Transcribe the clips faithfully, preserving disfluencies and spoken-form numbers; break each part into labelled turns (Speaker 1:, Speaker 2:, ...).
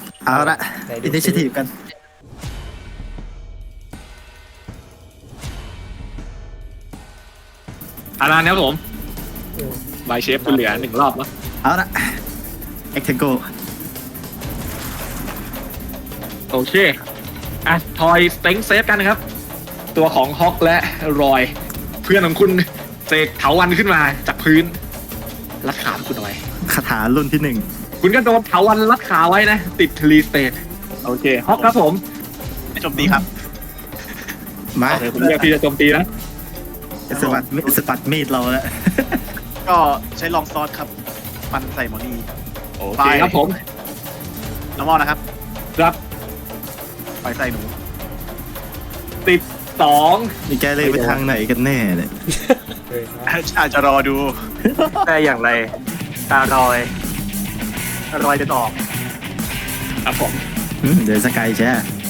Speaker 1: เอาละอินิชิทีฟกัน
Speaker 2: อาราเนี่ยครับผมบายเชฟคุณเหลือหนึ่งรอบแล้ว
Speaker 1: เอาละเอ็กเทนโก
Speaker 2: โอเคอ่ะทอยสเต็งเซฟกันนะครับตัวของฮอกและรอยเพื่อนของคุณเสกเถาวันขึ้นมาจากพื้นรัดขาคุณเอาไว้
Speaker 1: คาถารุ่นที่หนึ่ง
Speaker 2: คุณก็โดนเถาวันรัดขาไว้นะติดรีสเตทโอเคฮอกครับผม
Speaker 3: โจมตีครับ
Speaker 1: มา
Speaker 2: โอเคผมเรียกพี่จะโจมตีนะ
Speaker 1: สปัดสปัดมีดเราแล้ว
Speaker 3: ก็ใช้ลองซอสครับฟันใส่หมอนี่
Speaker 2: โอเคครับผม
Speaker 3: น้ำมันนะครับ
Speaker 2: ครับ
Speaker 3: ไปใส่หนู
Speaker 2: ติดสอง
Speaker 1: นี่แกเลยไปทางไหนกันแน่เนี่ย
Speaker 3: อาจจะรอดู
Speaker 4: ได้อย่างไรตารอยรอยจะตอบ
Speaker 2: ครับผม
Speaker 1: เดี๋ยวสกายแช่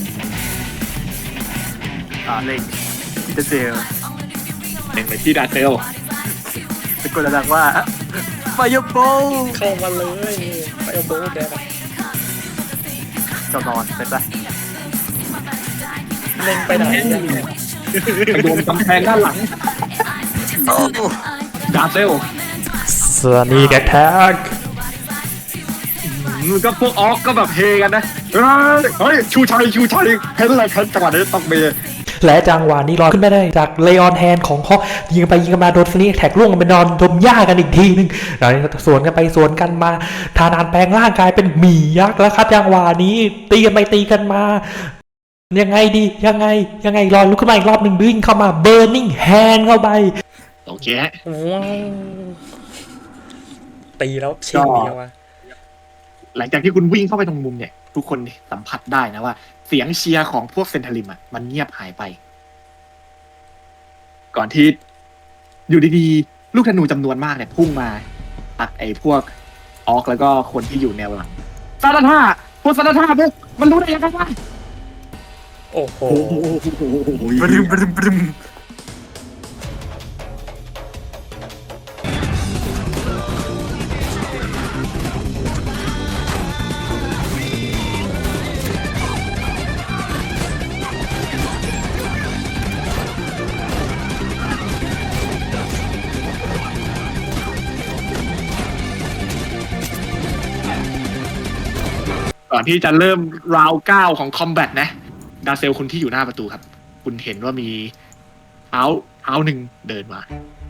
Speaker 4: อ่าเล็งพิเตเซล
Speaker 2: เล็งไปที่ดาเซล
Speaker 4: ตะโกนดังว่าไฟโบ
Speaker 5: เข้ามาเลยไฟโบแกนะ
Speaker 4: จอนอนเป็นปะ
Speaker 5: เล็งไปไหน
Speaker 2: ไปโดนกำแพงด้านหลังดาเซล
Speaker 5: สวัสดีแกแท็ก
Speaker 2: มันก็พวกออกก็แบบเฮกันนะเฮ้ยชูชัยชูชัยเห็นอะไรจังหวะนี้ต้องมี
Speaker 5: และจังหวะนี้ลอยขึ้นไม่ได้จากเลออนแฮนของฮอกยิงไปยิงกันมาโดนฟินิกแท็กล่วงไปนอนดมหญ้ากันอีกทีนึงแล้วสวนกันไปสวนกันมาทานานแปลงร่างกายเป็นหมียักษ์แล้วครับจังหวะนี้ตีกันไปตีกันมายังไงดียังไงยังไงรอลุกขึ้นมาอีกรอบหนึ่งวิ่งเข้ามาเบิร์นิ่งแฮนเข้าไป
Speaker 2: โอเค
Speaker 5: ตีแล้วชิงเดียววะ
Speaker 2: หลังจากที่คุณวิ่งเข้าไปตรงมุมเนี่ยทุกคนสัมผัสได้นะว่าเสียงเชียร์ของพวกเซนทาริมอ่ะมันเงียบหายไปก่อนที่อยู่ดีๆลูกธนูจำนวนมากเนี่ยพุ่งมาตักไอ้พวกออกแล้วก็คนที่อยู่แนวหลังซาดาท่าพวกซาดาท่าพวกมันรู้ได้ยังไงวะ
Speaker 5: โอ้โห
Speaker 1: บรึมบรึมบรึม
Speaker 2: ก่อนที่จะเริ่มราวเก้าของคอมแบทนะดาเซลคุณที่อยู่หน้าประตูครับคุณเห็นว่ามีเท้าเท้าหนึ่งเดินมา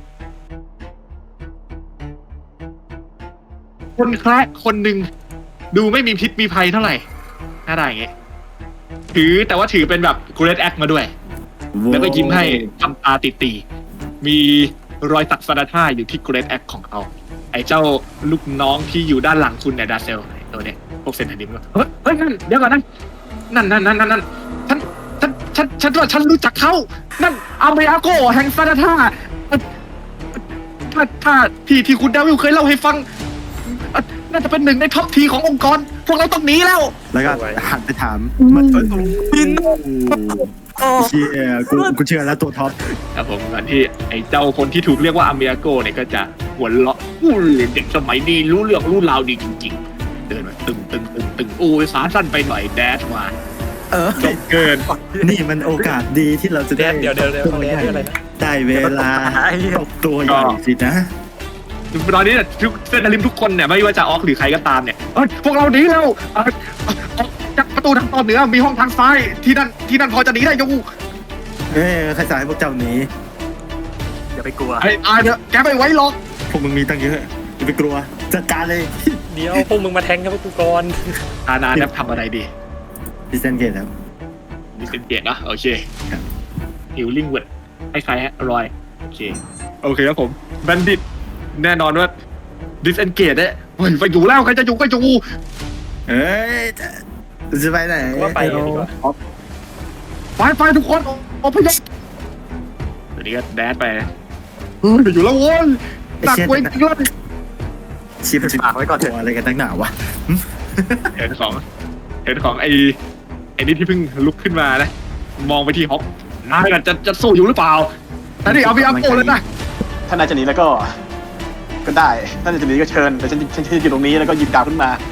Speaker 2: คนแคระคนหนึ่งดูไม่มีพิษมีภัยเท่าไหร่หน้าได้อย่างเงี้ยถือแต่ว่าถือเป็นแบบกูเรตแอคมาด้วยแล้วก็ยิ้มให้ทำตาตีๆมีรอยสักซาดาท่าอยู่ที่กูเรตแอคของเขาไอ้เจ้าลูกน้องที่อยู่ด้านหลังคุณเนี่ยดาเซลตัวเนี้ยพวกเซนทาริมก็เฮ้ยเฮ้ยนั่นเดี๋ยวก่อนนั่นนั่นนั่นนั่นนั่นฉันฉันฉันฉันว่าฉันรู้จักเขานั่นอาเมอาโกแห่งซาดาท่าถ้าถ้าที่ที่คุณดาวิลเคยเล่าให้ฟังน่าจะเป็นหนึ่งในท็อปทีขององค์กรพวกเราต้องหนีแล้ว
Speaker 1: แล้วก็หันไปถามมันบินเชียกูกูเชื่อแล้วตัวท็อป
Speaker 2: ครับผมก่อนที่ไอ้เจ้าคนที่ถูกเรียกว่าอาเมอาโกเนี่ยก็จะหัวเราะอู้เด็กสมัยนี้รู้เรื่องรู้ราวดีจริงๆเดินมาตึงตึงตึงตึงโอ้ยสาสั้นไปหน่อยแดชมา
Speaker 1: เออ
Speaker 2: จบเกิน
Speaker 1: นี่มันโอกาสดีที่เราจะได้
Speaker 5: เดี๋ยวเดี๋ยวเดี๋ยวเขาเรียกอะไรนะ
Speaker 1: ได้เวลาตัวใหญ่สินะ
Speaker 2: ตอนนี้เนี่ยทุกเซนทาริมทุกคนเนี่ยไม่ว่าจะออกหรือใครก็ตามเนี่ยพวกเราหนีแล้วจากประตูทางตอนเหนือมีห้องทางซ้ายที่นั่นที่นั่นพอจะหนีได้ยู
Speaker 1: เอ้ใครสายพวกเจ้าหนี
Speaker 4: อย่าไปกลัว
Speaker 2: ไอ้อายเถอะแกไม่ไว้หรอก
Speaker 1: พวกมึงมีตั้งเยอะอย่าไปกลัวจัดการเลย
Speaker 5: เดี๋ยวพวกมึงมาแทงกับกูก่อน
Speaker 2: อานาเนี่ยทำอะไรดี
Speaker 1: ดิเซนเกตครับ
Speaker 2: ดิเซนเกตนะโอเคฮิลลิ่งเวิร์ดให้ใครฮะรอยโอเคโอเคครับผมแบนดิตแน่นอนว่าดิสเอนเกตเนี่ยไปอยู่แล้วใครจะอยู่ก็อยู่
Speaker 1: เอ้ยจะไปไหน
Speaker 5: ว่าไปดีกว่า
Speaker 2: ไปไปทุกคนอพยพเดี๋ยวนี้ก็แดดไปไปอยู่แล้วโว้ยหนักเว้ยจริงเลย
Speaker 1: ชิปปากไว้ก่อนตัวอะไรกันตั้งหนาวะ
Speaker 2: เห็นของเห็นของไอ้ไอ้นี่ที่เพิ่งลุกขึ้นมานะมองไปที่ฮอกนายจะจะสู้อยู่หรือเปล่าแต่นี่เอาไปเอาโก้เลยนะ
Speaker 3: ถ้านายจะหนีแล้วก็ก็ได้ถ้านายจะหนีก็เชิญแต่ฉันฉันอยู่ตรงนี้แล้วก็หยิบดาบขึ้นมา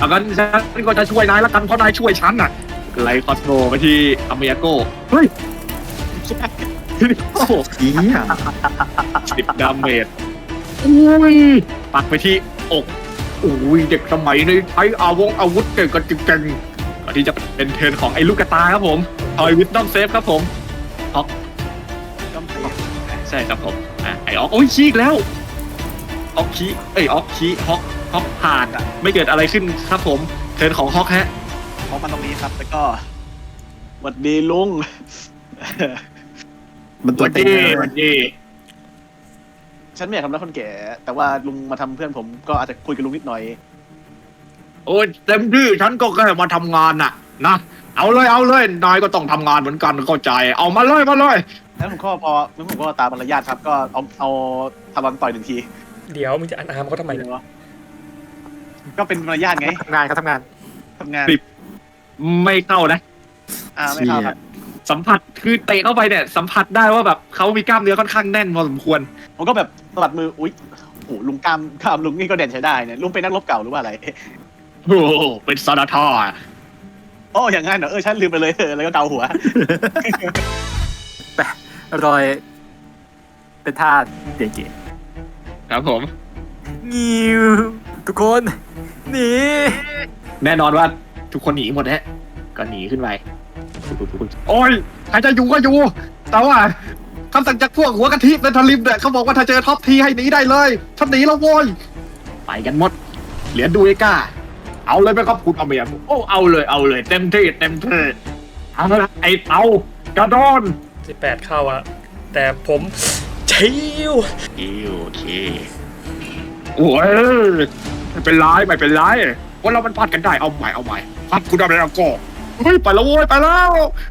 Speaker 2: เอางั้นฉันก็จะช่วยนายละกันเพราะนายช่วยฉันน่ะไล่คอสโมไปที่อเมริโกเฮ้ยโอ้โห
Speaker 1: เฮีย
Speaker 2: สิบดาเมจอุ้ยปักไปที่อกอุ้ยเด็กสมัยนี้ใช้อาวงอาวุธเก่งกันจริงๆก่อนที่จะเป็นเทิร์นของไอ้ลูกกระตาครับผมทอยวิดดอมเซฟครับผมออก
Speaker 3: ก็เตะ
Speaker 2: ใช่ครับผมอ่ะไอ้ออกโอ้ยชี้อีกแล้วออกชี้เอ้ยออกชี้ฮอกฮอกผ่านอะไม่เกิดอะไรขึ้นครับผมเทิร์นของฮอกฮะ
Speaker 3: เพราะมันตรงนี้ครับ แล้วก็หวัดดีลุง
Speaker 1: มันตัว
Speaker 2: วัน
Speaker 1: เต็ง
Speaker 2: ดี
Speaker 1: เลย
Speaker 2: วันดี
Speaker 3: ฉันไม่อยากทำร้ายคนแก่ แต่ว่าลุงมาทำเพื่อนผมก็อาจจะคุยกับลุงนิดหน่อย
Speaker 2: โอ้ยเต็มที่ฉันก็แค่มาทำงานน่ะนะเอาเลยเอาเลยนายก็ต้องทำงานเหมือนกันเข้าใจเอามาเลยมาเลย
Speaker 3: แล้วผมก็พอแล้วผมก็ตามมารยาทครับ ก็เอาเอาทำรันต่อยหนึ่งที
Speaker 5: เดี๋ยวมึงจะอันอาร์มเขาทำไมเนี่ย
Speaker 3: ก็เป็นมารยาทไง
Speaker 4: ทำงานเขาทำงาน
Speaker 3: ทำงาน
Speaker 2: ไม่เข้านะ
Speaker 3: อ่าไม่เข้าครับ
Speaker 2: สัมผัสคือเตะเข้าไปเนี่ยสัมผัสได้ว่าแบบเขามีกล้ามเนื้อค่อนข้างแน่นพอสมควร
Speaker 3: ผมก็แบบสะบัดมือ อุ๊ยโอ้โหลุงกล้ามกล้ามลุงนี่ก็เด่นใช้ได้เนี่ย ลุงเป็นนักรบเก่าหรือว่าอะไร
Speaker 2: โอ้โหเป็นซาดาทอ
Speaker 3: โอ้อย่างงั้นเหรอ เออ ฉันลืมไปเลยเออแล้วก็เกาหัว
Speaker 4: รอย เป็นท่าเก๋
Speaker 2: ครับผม
Speaker 4: ๆงิวทุกคนหนี
Speaker 2: แน่นอนว่าทุกคนหนีหมดฮะก็หนีขึ้นไปโอ้ยใครจะอยู่ก็อยู่ แต่ว่าคำสั่งจากพวกหัวกะทิในทลิมเนี่ยเขาบอกว่าถ้าเจอท็อปทีให้หนีได้เลยฉันหนีแล้วโว้ยไปกันหมดเหรียญดูเอก้าเอาเลยไหมครับคุณอเมียโอ้เอาเลยเอาเลยเต็มที่เต็มที่เอาละไอ้เตากระดอน
Speaker 5: สิบแปดเข้าอะแต่ผมชิว
Speaker 2: โอเคโอ้ยไม่เป็นไรไม่เป็นไรว่าเรามันพัดกันได้เอาใหม่เอาใหม่พัดคุณอเมียก็เฮ้ยไปแล้วโว้ยไปแล้ว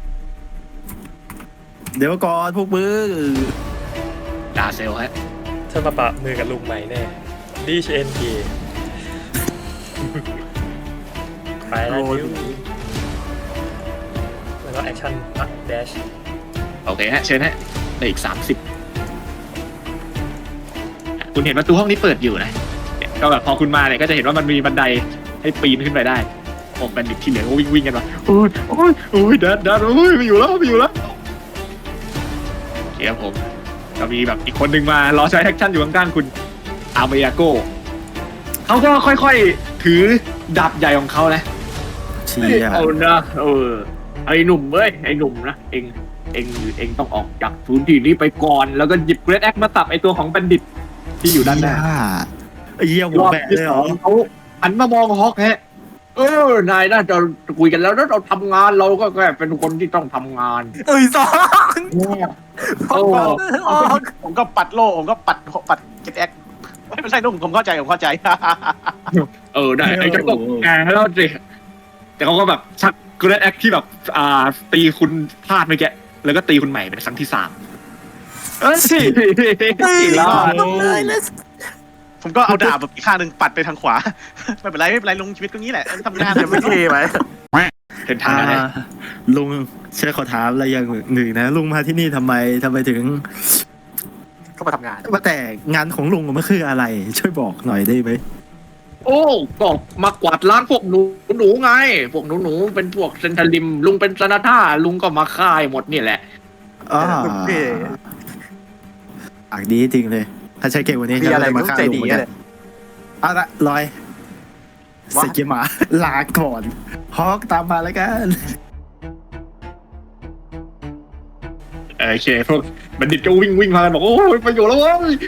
Speaker 1: เดี๋ยวก่อนพวกมือ
Speaker 2: ดาเซลฮะ
Speaker 5: ฉันมาปะมือกับลุงใหม่แน่ดีชเอ็นเไปแล้วนิ้วแล้วก็แอคชั่นปักแดช
Speaker 2: โอเคฮะเชิญฮะได้อีกสามสิบคุณเห็นประตูห้องนี้เปิดอยู่นะเนี่ยก็แบบพอคุณมาเนี่ยก็จะเห็นว่ามันมีบันไดให้ปีนขึ้นไปได้ผมแบนดิตที่เหลือก็วิ่งวิ่งกันมาโอ้ยโอ้ยโอ้ยดันดันโอ้ยไม่อยู่แล้วไม่อยู่แล้วโอเคครับผมก็มีแบบอีกคนหนึ่งมารอใช้แอคชั่นอยู่ข้างๆคุณอาเมยาโกเขาก็ค่อยๆถือดาบใหญ่ของเขานะ
Speaker 1: เชีย
Speaker 2: เอานะเออไอ้หนุ่มเอ้ยไอ้หนุ่มนะเองเองเองต้องออกจากพื้นที่นี้ไปก่อนแล้วก็หยิบเกรดแอคมาตับไอ้ตัวของแบนดิตที่อยู่ด้านหน้า
Speaker 1: ไอ้เหี้ยหั
Speaker 2: ร
Speaker 1: ว
Speaker 2: อบ
Speaker 1: แบะ
Speaker 2: ที่
Speaker 1: เลย
Speaker 2: ส
Speaker 1: เหร
Speaker 2: อ
Speaker 1: อง
Speaker 2: เขาหันมามองฮอกฮะเออนายน่าจะคุยกันแล้วแล้วเราทำงานเราก็แค่เป็นคนที่ต้องทำงาน
Speaker 4: เอ้ยสอง
Speaker 2: โอ้
Speaker 4: ออก
Speaker 3: ผมก็ปัดโล่ผมก็ปัดปัดเก็ตแอคไม่ใช่ลุงผมเข้าใจผมเข้าใจ
Speaker 2: เออได้ไอ้เจ้าก็แกแล้วสิแต่เขาก็แบบชักเกรดแอคที่แบบอ่าตีคุณพลาดไปแกแล้วก็ตีคุณใหม่เป็นครั้งที่สามเอ้ยสิแล้ว
Speaker 4: เลยเลย
Speaker 3: ผมก็เอาดาบแบบอีกข้างหนึ่งปัดไปทางขวา ไม่เป็นไรไม่เป็นไรลุงชีวิตก็งี้แหละทำงาน
Speaker 4: จะไม่เท่ไหม
Speaker 2: เห็นทาง
Speaker 1: อ่า
Speaker 2: นะ
Speaker 1: ลุงเชื่อขอถามอะไรอย่างหนึ่งนะลุงมาที่นี่ทำไมทำไมถึง
Speaker 4: ก็มาทำงาน
Speaker 1: ว่าแต่งานของลุงมันคืออะไร ช่วยบอกหน่อยได้ไหม
Speaker 2: โอ้ก็มากวาดล้างพวกหนูหนูไง พวกหนูหนูเป็นพวกเซนทรัลลิม ลุงเป็นซานาท่าลุงก็มาค่ายหมดนี่แหละ
Speaker 1: อ๋อ
Speaker 4: โอเค
Speaker 1: ปากดีจริงเลย ถ้าใช้เก่งกว่านี้
Speaker 4: มีอะไร
Speaker 1: จะ
Speaker 4: ต้อง
Speaker 1: ฆ่า
Speaker 4: ใจ
Speaker 1: ลุ
Speaker 4: ดี
Speaker 1: งเหมือน
Speaker 4: อะ
Speaker 1: กัน
Speaker 4: เลย
Speaker 1: เอาละลอย
Speaker 4: ว่า
Speaker 1: สกิมาลาก่อนฮอกตามมาแล้วกัน
Speaker 2: โอเคพวกบัณฑิตก็วิ่งวิ่งมากันบอกโอ้ยไปอยู่แล้วเว้ย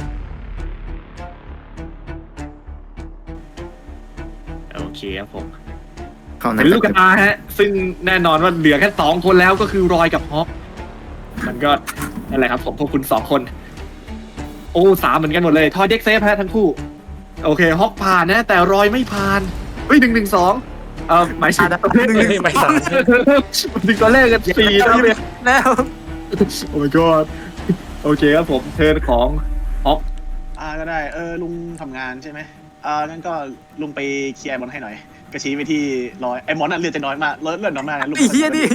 Speaker 2: โอเคครับผม
Speaker 1: เข้าใน
Speaker 2: เป็นลูกกระตาฮะ ซึ่งแน่นอนว่าเหลือแค่สองคนแล้วก็คือรอยกับฮอกมันก็นั่นแหละครับผมพวกคุณสองคน โอ้สามเหมือนกันหมดเลยทอยเด็กเซฟฮะทั้งคู่ โอเคฮอกผ่านนะ แต่รอยไม่ผ่านเฮ้ยหนึ่งหนึ่งสองเออหมายถึง
Speaker 4: อ่ะหนึ่งหนึ่ง
Speaker 5: ไม่สาม
Speaker 2: ถึงตัวเลขกันสี่นะเว้ย
Speaker 4: แล้ว
Speaker 2: โอ้ my god โอเคครับผมเทิร์นของฮอก
Speaker 3: อ่าก็ได้ เออลุงทำงานใช่ไหมอ่างั้นก็ลุงไปเคลียร์ไอ้มอนให้หน่อยกระชี้ไปที่ร้อยไอ้มอนน่ะเลือดจะน้อยมากเลือดเลือดน้อยมากนะลุง
Speaker 4: ไอ้เฮียนี่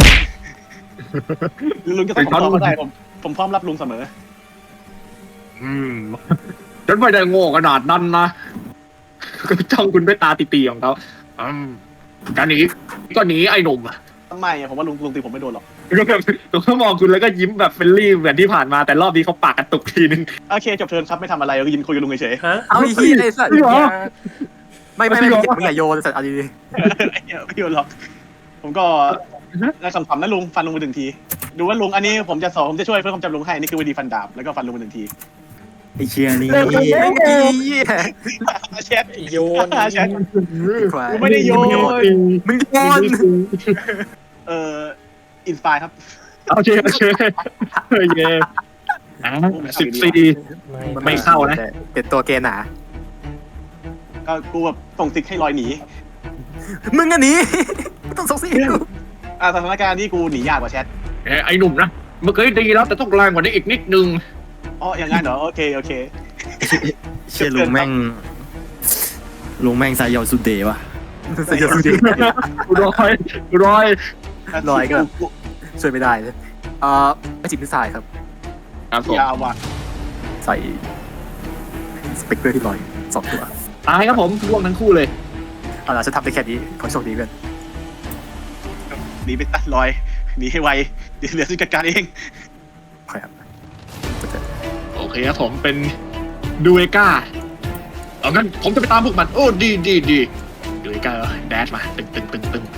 Speaker 3: ลุงจะต้องผมพร้อมก็ได้ผมผมพร้อมรับลุงเสมอ
Speaker 2: อืมฉันไม่ได้โง่ขนาดนั้นนะก็จ้องคุณด้วยตาตีๆของเขาอืมการหนีก็หนีไอ้หนุ่ม
Speaker 3: ทำไมอะผมว่าลุงลุงตีผมไม่โดนหรอก
Speaker 2: ก็แบบผมก็มองคุณแล้วก็ยิ้มแบบเฟรนลี่เหมือนที่ผ่านมาแต่รอบนี้เขาปากกระตุกทีนึง
Speaker 3: โอเคจบเทิร์นครับไม่ทำอะไรก็ยืนคุยกับลุงเฉย
Speaker 5: ฮะ
Speaker 4: เอาไอ้เหี้ยไอ้สัตว์
Speaker 2: จริงเหรอ
Speaker 4: ไม่ไม่ไม่ไม่มึงอย่าโยนสัตว์เอาดี
Speaker 3: ๆไอ้เหี้ยไม่โดนหรอกผมก็ได้คำถามนะลุงฟันลุงไปหนึ่งทีดูว่าลุงอันนี้ผมจะสอนผมจะช่วยเพื่อความจำลุงให้นี่คือวิธีฟันดาบแล้วก็ฟันลุงไปหนึ่งที
Speaker 1: ไอเชียนี่
Speaker 4: ๆไอ้เหี้ย
Speaker 3: เช็ด
Speaker 5: โยน
Speaker 3: เช็ด
Speaker 4: ควาย
Speaker 3: กูไม่ได้โยน
Speaker 4: มึงโยน
Speaker 3: เอ่ออินสปายครับ
Speaker 2: โอเคโอเคโอเคอ่ะสิบสี่ ไม่เข้านะ
Speaker 4: เป็นตัวเกณฑ์หนา
Speaker 3: ก็กูแบบส่งซิกให้ลอยหนี
Speaker 4: มึงอันนี้ไม่ต้องส่งสิ
Speaker 3: อ่าสถานการณ์นี้กูหนียากกว่าแชท
Speaker 2: เอ้ยไอ้หนุ่มนะเมื่อกี้ดีแล้วแต่ต้องแรงกว่านี้อีกนิดนึง
Speaker 3: อ๋ออย่างงั้นเหรอโอเคโอเค
Speaker 1: เชียลุงแม่งลุงแม่งสายยาวสุดเดย์ว่ะ
Speaker 4: สยองจริง
Speaker 2: รอยรอย
Speaker 4: ลอยก็ ช่วยไม่ได้เลยเอ่อไม่จิตนิสัยครับ
Speaker 2: ครับผม
Speaker 3: ยาวว่ะ
Speaker 4: ใส่สเปกเตอร์ที่ลอยสองตัว
Speaker 2: ตายครับผมร่วงทั้งคู่เลย
Speaker 4: เอาล่ะฉันทำได้แค่นี้ขอโชคดีเพื่อน
Speaker 3: หนีไปตัดลอยหนีให้ไวเดี๋ยวเหลือซิกจัดการเอง
Speaker 4: ขอครับ
Speaker 2: โอเคครับผมเป็นดูเอก้าเอางั้นผมจะไปตามพวกมันโอ้ดีดีดีดูเอก้าแดดมาตึงตึงตึงตึง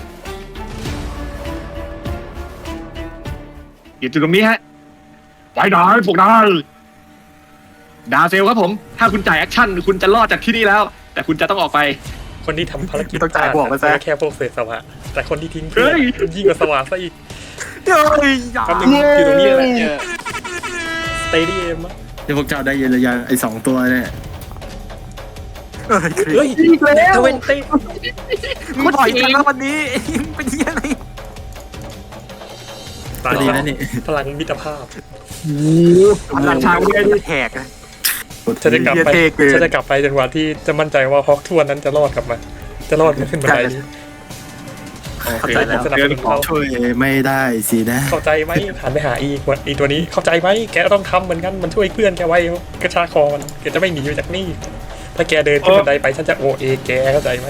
Speaker 2: อยู่จุดตรงนี้ฮะไปไหนพวกนายดาเซลครับผม ถ้าคุณจ่ายแอคชั่นคุณจะรอดจากที่นี่แล้ว แต่คุณจะต้องออกไป
Speaker 5: คนที่ทำภารกิจ
Speaker 4: ต้องจ่ายบวกมาซะ
Speaker 5: แค่พวกเศษสวะแต่คนที่ทิ้งเพื่อน
Speaker 2: เฮ้ย
Speaker 5: ยิ่งกว่าสวะซะอีก
Speaker 4: เฮ้ยอย่า
Speaker 5: คำหนึ่งอยู่ตรงนี้แหละสเตเดียมอะ
Speaker 1: เดี๋ยวพวกเจ้าได้เย็นหรือยังไอสองตัวเนี่ย
Speaker 4: เฮ้ย
Speaker 5: เฮ้ย
Speaker 2: อีกแล้ว
Speaker 5: เทเวนตี้
Speaker 4: มึงปล่อยกันแล้ววันนี้มึงเป็นเหี้ยอะไร
Speaker 5: พลัง
Speaker 1: ดีนะนี่
Speaker 5: พลังมิตรภาพ
Speaker 2: พลังชาวเรือ
Speaker 4: แหกอะ
Speaker 5: ฉันจะกลับไป
Speaker 4: เหี้ยเท่เกิน
Speaker 5: ฉันจะกลับไปจนกว่าที่จะมั่นใจว่าฮอกทวนนั้นจะรอดกลับมา จะรอดมาขึ้นบันไดนี้
Speaker 4: เข้าใจแล้ว
Speaker 5: สนับสนุนเขา
Speaker 1: ช่วยไม่ได้สินะ
Speaker 5: เข้าใจไหมหันไปหาอีกวันอีตัวนี้ เข้าใจไหมแกต้องทำเหมือนกันมันช่วยเพื่อนแกไว้กระชากคอมันแกจะไม่หนีไปจากนี่ถ้าแกเดินขึ้นบันไดไปฉันจะโอเอแกเข้าใจไหม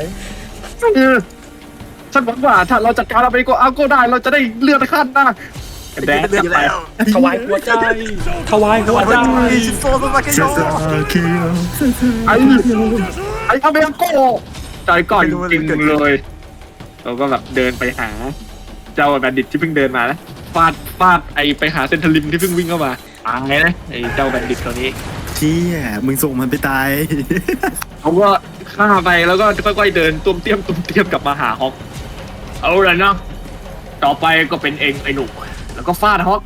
Speaker 2: ฉันหวังว่าถ้าเราจัดการเราไปก็เอาก็ได้เราจะได้เลื่อนขั้นนะแดด
Speaker 4: เลือกแล้ว
Speaker 5: ถวายหัวใจถวายหัวใจ
Speaker 4: ชิโซโซมาเกโย
Speaker 2: ไอ้ไอ้อเมริโกใจก่อนจริงเลยเราก็แบบเดินไปหา เจ้าแบนดิตที่เพิ่งเดินมานะฟาดฟาดไอไปหาเซนทรัลลิมที่เพิ่งวิ่งเข้ามาตายนะไอเจ้าแบนดิตตัวนี้
Speaker 1: เชี่ยมึงส่งมันไปตาย
Speaker 2: เขาก็ฆ่าไปแล้วก็ค่อยๆเดินตุ้มเตี้ยมตุ้มเตี้ยมกลับมาหาฮอกเอาละนะต่อไปก็เป็นเองไอ้หนุ่มแล้วก็ฟาดฮอก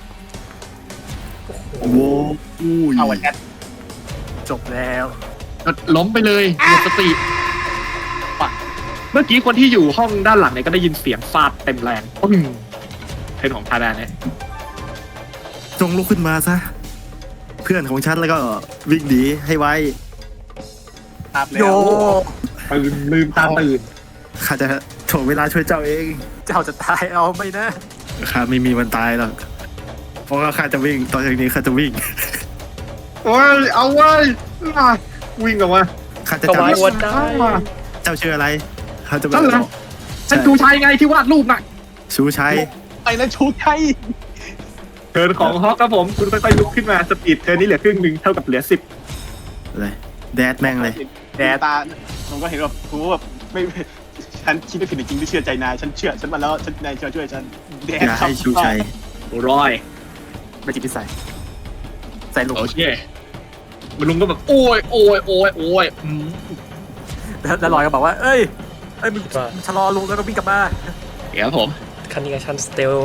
Speaker 1: โว้อู้ย
Speaker 3: เอาวันแชท
Speaker 4: จบแล้ว
Speaker 2: ก็ล้มไปเลยหมดสติปักเมื่อกี้คนที่อยู่ห้องด้านหลังเนี่ยก็ได้ยินเสียงฟาดเต็มแรงปึ้งเพนของทาดาเนี่ย
Speaker 1: จงลุกขึ้นมาซะ เพื่อนของฉันแล้วก็วิ่งหนีให้ไว
Speaker 3: ภาพแล้
Speaker 4: โยว
Speaker 2: ตื่นลืมตาตื่น
Speaker 1: ข้าจะถ่วงเวลาช่วยเจ้าเอง
Speaker 4: เจ้าจะตายเอาไหมนะ
Speaker 1: ข้าไม่มีวันตายหรอกเพราะว่าข้าจะวิ่งตอนจากนี้ข้าจะวิ่ง
Speaker 2: โอ้ยเอาไว้ยอ่ะวิ่งออกมา
Speaker 1: ข้าจะ
Speaker 5: ถวาย
Speaker 1: จำ
Speaker 5: หัวใจ
Speaker 1: เจ้าชื่ออะไรข้าจะ
Speaker 2: นั่นเหรอ ฉันดูชายไงที่วาดรูปน่ะ
Speaker 1: ชูชัย
Speaker 3: ไอ้นั่นชูใช่
Speaker 2: เทิร์นของฮอกครับผมคุณค่อยๆลุกขึ้นมาสปีดเทิร์นนี้เหลือครึ่งหนึ่งเท่ากับเหลือสิบ
Speaker 1: เลยแดดแม่งเลย
Speaker 3: แดดตาผมก็เห็นแบบกูแบบไม่ฉันคิดไม่ผิดจริงที่เชื่อใจนายฉันเชื่อฉันมาแล้วฉันนายช่วยช่วยฉันแดด
Speaker 1: อย่าให้ชูชัย
Speaker 2: ร้อย
Speaker 4: ไม่จิตนิสัยใส่ลูก
Speaker 2: โอเคมันลุงก็แบบโอ้ยโอ้ยโอ้ยโอ้ยอืม
Speaker 4: แล้วแล้วลอยก็บอกว่า เอ้ยเอ้ยมึง
Speaker 5: ว่า
Speaker 4: ชะลอลุงแล้วก็วิ่งกลับมา
Speaker 2: เดี๋ยวผม
Speaker 5: คันนี้ชันสเตล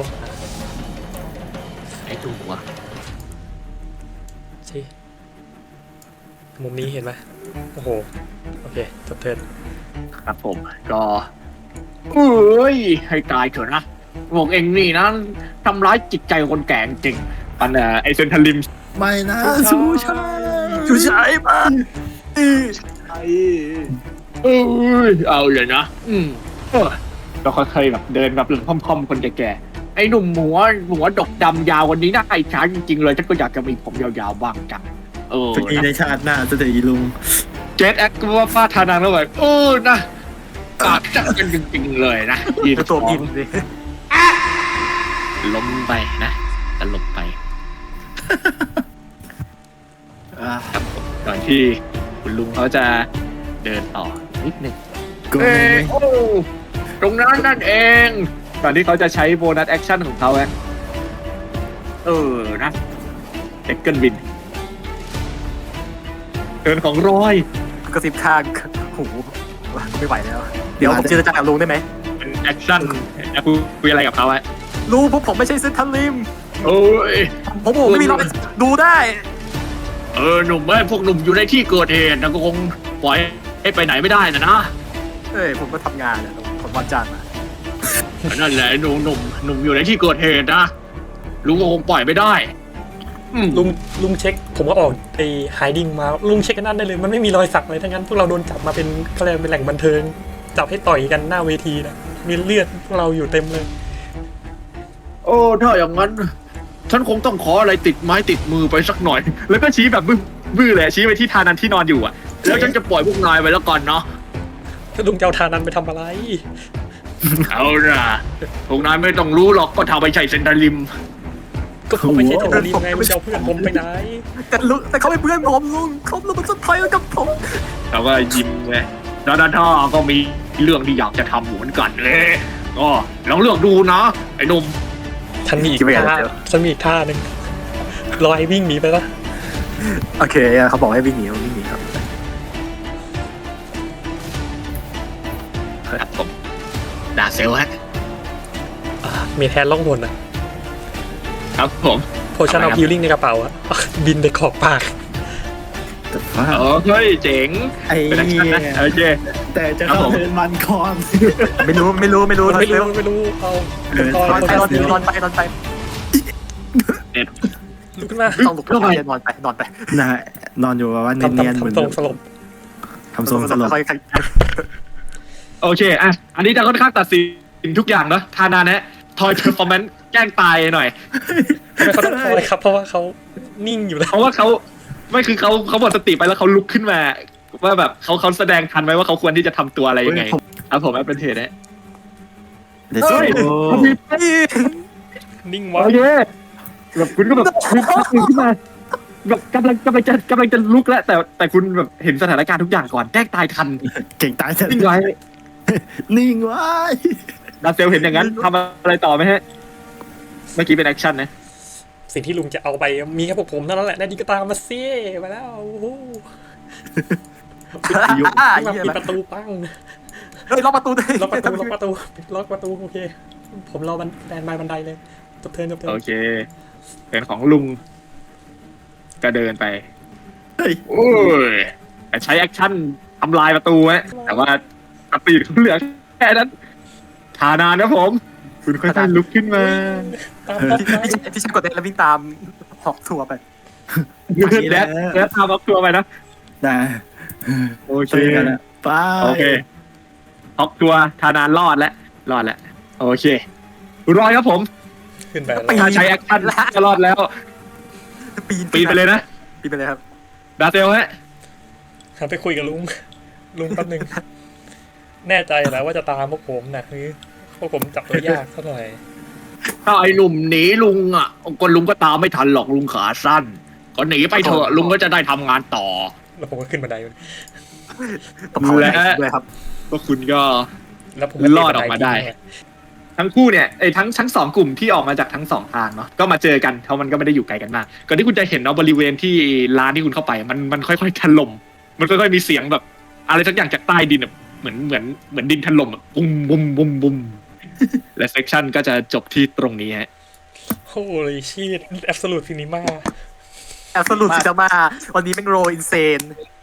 Speaker 2: ไอ้ดูหัว
Speaker 5: สิมุมนี้เห็นไหมโอ้โหโอเคจบเทิร์น
Speaker 2: ครับผมก็เอ้ยให้ตายเถอะนะพวกเองนี่นะทำร้ายจิตใจคนแก่จริงปันเอ่อไอเซนทรัลลิม
Speaker 1: ไม่นะชูชัย
Speaker 4: ชูชัยมา
Speaker 3: ไอ้
Speaker 2: เอ้ยเอาเลยนะอืมเออก็ค่อยๆแบบเดินแบบหลังค่อมๆคนแก่ๆไอ้หนุ่มหัวหัวดกดำยาววันนี้น่าอิจฉาจริงๆเลยฉันก็อยากจะมีผมยาวๆบ้างจังเออ
Speaker 1: จะมีในชาติหน้าจะได้ลุง
Speaker 2: เจตแอคก็ว่าฟาดทานานแล้วแบบโอ้นะปากจัดกันจริงๆเลยนะยืน
Speaker 4: ตัวบินดิ
Speaker 2: ล้มไปนะตลบไป
Speaker 1: อ่ะ
Speaker 2: ครับผมก่อนที่คุณลุงเขาจะเดินต่อนิดนึง
Speaker 1: กู
Speaker 2: เอ้ยโอ้ตรงนั้นนั่นเองก่อนที่เขาจะใช้โบนัสแอคชั่นของเขาอะเออนะเอ็กเกิลบินเดินของรอย
Speaker 4: กระซิบข้างหูไม่ไหวแล้ว เดี๋ยวผมเจรจากับลุงได้ไหม
Speaker 2: เป็นแอคชั่นแอคคุยอะไรกับเขาอะ
Speaker 4: ลุงพวกผมไม่ใช่เซนทันลิม
Speaker 2: โอ้ย
Speaker 4: ผมผมไม่มีรอยดูได้
Speaker 2: เออหนุ่มเอ้ยพวกหนุ่มอยู่ในที่เกิดเหตุนะก็คงปล่อยให้ไปไหนไม่ได้นะนะ
Speaker 4: เอ้ยผมก็ทำงานเนี่ยผมวันจันทร์มา
Speaker 2: นั่นแหละหนุ่มหนุ่มหนุ่มอยู่ในที่เกิดเหตุนะลุงก็คงปล่อยไม่ได้อืม
Speaker 5: ลุงลุงเช็ค ผมก็ออกไอ้ไฮดิ้งมาลุงเช็คกันนั่นได้เลยมันไม่มีรอยสักเลยทั้งนั้นพวกเราโดนจับมาเป็นเขาเรียกเป็นแหล่งบันเทิงจับให้ต่อยกันหน้าเวทีนะมีเลือดพวกเราอยู่เต็มเลย
Speaker 2: โอ้ถ้าอย่างนั้น ฉันคงต้องขออะไรติดไม้ติดมือไปสักหน่อย แล้วก็ชี้แบบบื้อบื้อเลยชี้ไปที่ทานันที่นอนอยู่อ่ะแล้วฉันจะปล่อยพวกนายไปแล้วก่อนเนาะ
Speaker 5: ถ้าลุงจะเอาทานันไปทำอะไร
Speaker 2: เอาล่ะพวกนายไม่ต้องรู้หรอกก็ทำไปใช้เซนทรัลลิม
Speaker 5: ก็ผมไม่ใช่โทรีไงไม่จะเอาเพื่อนผมไปไหน
Speaker 4: แต่ลุงแต่เขาเป็นเพื่อนผมลุงเขาลุงเป็นสุดท้ายกับผม
Speaker 2: เราก็ยิ้มไงแล้วด้านท่าก็มีเรื่องที่อยากจะทำเหมือนกันเลยก็ลองเลือกดูนะไอ้หนุ่ม
Speaker 5: ฉันมีอีกท่าฉันมีอีกท่าหนึ่งรอไอ้วิ่งหนีไปละ
Speaker 4: โอเคเขาบอกให้วิ่งหนีวิ่งหนีครับ
Speaker 2: ครับผมดาเซลฮะ
Speaker 5: อ่ามีแทนล่องหนอ่ะ
Speaker 2: ครับผม
Speaker 5: โพชั่นเอาฮิลลิ่งในกระเป๋าอ่ะ บินไปขอบปาก
Speaker 1: แต่ว่า
Speaker 2: เออเฮ้ยเจ๋ง
Speaker 1: ไอ้
Speaker 2: เป็นแอคชั่นนะโอเค
Speaker 1: แต่จะเข้าเทิร์นมันก่อน
Speaker 4: ไม่รู้ไม่รู้ไม่รู้
Speaker 5: ไม่รู้
Speaker 4: เร็ว
Speaker 5: ไม่รู้เอา
Speaker 1: เออ
Speaker 5: ตอน
Speaker 4: นอนไปนอน
Speaker 5: ต
Speaker 4: นอนไปนอนไป
Speaker 2: เด็ด
Speaker 5: ลุกขึ้นมา
Speaker 4: ต้องลุกขึ้นไปนอนไปนอนไป
Speaker 1: นะฮะนอนอยู่แบบว่า
Speaker 5: ทำ
Speaker 1: เนียนๆ
Speaker 5: ทำ
Speaker 1: เหมือน
Speaker 5: ทำทรงสลบ
Speaker 1: ทำทรงสลบ
Speaker 4: ค่อย
Speaker 2: โอเคอ่ะอันนี้จะค่อนข้างตัดสินทุกอย่างเนาะทานานะทอยเพอร์ฟอร์แมนซ์แกล้งตายหน่อย
Speaker 5: ทำไมเขาต้องคอยครับ เพราะว่าเขานิ่งอยู่แล้ว
Speaker 2: เพราะว่าเขาไม่คือเขาเขาหมดสติไปแล้วเขาลุกขึ้นมา ว่าแบบเขาเขาแสดงทันไหมว่าเขาควรที่จะทำตัวอะไรยังไงครับผมแอปเป็นเทสนะ
Speaker 1: เดี๋ยวโชว์
Speaker 5: นิ่งวะ
Speaker 2: โอเคแบบคุณก็แบบลุกขึ้นมาแบบกำลังกำลังจะกำลังจะลุกแล้วแต่แต่คุณแบบเห็นสถานการณ์ทุกอย่างก่อนแกล้งตายทัน
Speaker 1: เก่งตายแต่
Speaker 2: นิ่งไว้
Speaker 1: นิ่งไว้
Speaker 2: ดาเซลเห็นอย่างนั้นทำอะไรต่อไหมฮะเมื่อกี้เป็นแอคชั่นนะ
Speaker 5: สิ่งที่ลุงจะเอาไปมีแค่พวกผมเท่านั้นแหละนาดีก็ตามมาซิมาแล้วโอ้โห
Speaker 4: อ่า
Speaker 5: มาปิดประตูปั้ง
Speaker 4: เฮ้ยล็อกประตูด้วย
Speaker 5: ล็อกประตูล็อกประตูล็อกประตูโอเค ผมรอบันแดนบายบันไดเลยจบเทิร์นจบเทิร์
Speaker 2: โอน เคเป็นของลุงก็เดินไป
Speaker 1: เฮ้ย
Speaker 2: โอ้ยแต่ใช้แอคชั่นทำลายประตูฮะแต่ว่าสปีดเขาเหลือแค่นั้นทานานนะผม คุณค่อยๆลุกขึ้นมา
Speaker 5: ตามตามตาม
Speaker 4: ที่ฉันกดเต้นแล้ววิ่งตามหอกทัวร์ไป
Speaker 2: และและทำอัพทัวร์ไปนะ
Speaker 1: นะ
Speaker 2: โอเค
Speaker 1: เจอกันนะไป
Speaker 2: โอเคฮอกทัวร์ทานานรอดแล้วรอดแล้วโอเครอดครับผม
Speaker 5: ขึ้นไป
Speaker 2: ถ้าใช้แอคชั่นก็รอดแล้ว
Speaker 4: ปีน
Speaker 2: ปีนไปเลยนะ
Speaker 4: ปีนไปเลยครับ
Speaker 2: ดาเซลฮะ
Speaker 5: หันไปคุยกับลุงลุงแป๊บนึงแน่ใจแล้วว่าจะตามพวกผมนะคือพวกผมจับตัวยากเท่าไหร่
Speaker 2: ถ้าไอ้หนุ่มหนีลุงอ่ะก็ลุงก็ตามไม่ทันหรอกลุงขาสั้นก็หนีไปเถอะลุงก็จะได้ทำงานต่อ
Speaker 5: แล้วผมก็ขึ้นบันได
Speaker 4: ผมเอาเลยด้วยครับ
Speaker 2: ก็คุณก็
Speaker 5: แล้วผมก็
Speaker 2: รอดออกมาได้ ทั้งคู่เนี่ยไอ้ทั้งทั้งสองกลุ่มที่ออกมาจากทั้งสองทางเนาะก็มาเจอกันเพราะมันก็ไม่ได้อยู่ไกลกันมากก่อนที่คุณจะเห็นเนาะบริเวณที่ร้านที่คุณเข้าไปมันมันค่อยๆถล่มมันค่อยๆมีเสียงแบบ อะไรสักอย่างจากใต้ดินอะเหมือนเหมือนเหมือนดินถล่มอะบุ้มบุ้มบุ้มบุ้มและเซสชั่นก็จะจบที่ตรงนี้ฮะ
Speaker 5: โอ้ยชีตแอบสูตรซินิมา
Speaker 4: แอบสรุปสิจะมาวันนี้เป็นโรอินเซน